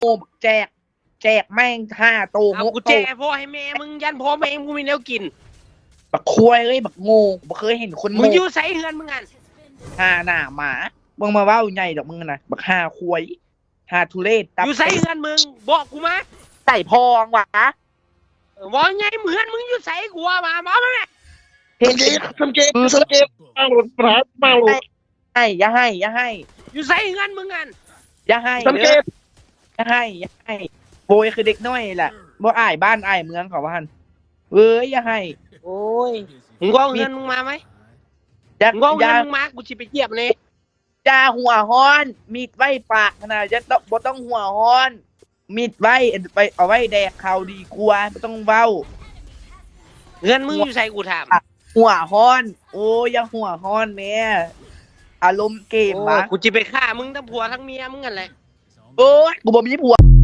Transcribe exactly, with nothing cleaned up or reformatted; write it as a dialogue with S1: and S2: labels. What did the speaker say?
S1: โอ้แจกแจกแม่งห้าโต
S2: เอา
S1: งก
S2: กู
S1: โต
S2: แจกพ่อให้แม่มึงยันพ่อแม่มึงมีแนวกิน
S1: บักควยเอ้ยบักโง่บักเคยเห็นคน
S2: มึ
S1: โง่
S2: งอยู่ใส่เฮือนมึงอัน
S1: ห้าหน้าหมามึงมาเว้าใหญ่ดอกมึงนะบักห้าควยห้าทุเรศตั
S2: อยู่ใส่เฮือนมึงบอกกูมา
S1: ใส่พองวะ
S2: ว่าไงเฮือนมึงอยู่ใส่กูว่ามามาแม่
S1: เห็น
S3: สังเกตสังเกตมาหลุดปราดมาหลุด
S1: ให้อย่าให้อย่าให้
S2: อยู่ใส่เฮือนมึงอัน
S1: อย่าให้
S3: สังเก
S1: เด้อ
S3: ต
S1: อย่าให้อย่าให้โบยคือเด็กน้อยแหละบ่อายบ้านอายเมืองเขาว่าหั่นเอ้ยอย่าให้
S2: โอ้ยมึงก็เอาเฮือนมึงมาไหม
S1: อย่า
S2: มึงก็เอา
S1: อ
S2: เฮื
S1: ย่า
S2: อนมึงมากูจะไปเยียบเลย
S1: อย่าหัวฮ้อนมีดไว้ปากนะจะต้องบ่ต้องหัวฮ้อนมีดไว้ไปเอาไว้แดกเขาดีกว่าบ่ต้องเว้า
S2: เฮือนมึงอยู่ใส่กูถาม
S1: หัวฮ้อน โอ้ยอย่าหัวฮ้อนแม่อารมณ์เกม
S2: โอ้
S1: วะ
S2: กูจะไปฆ่ามึงทั้งผัวทั้งเมียมึงกันแหละ
S1: โอ้ยกูบ่มีผัว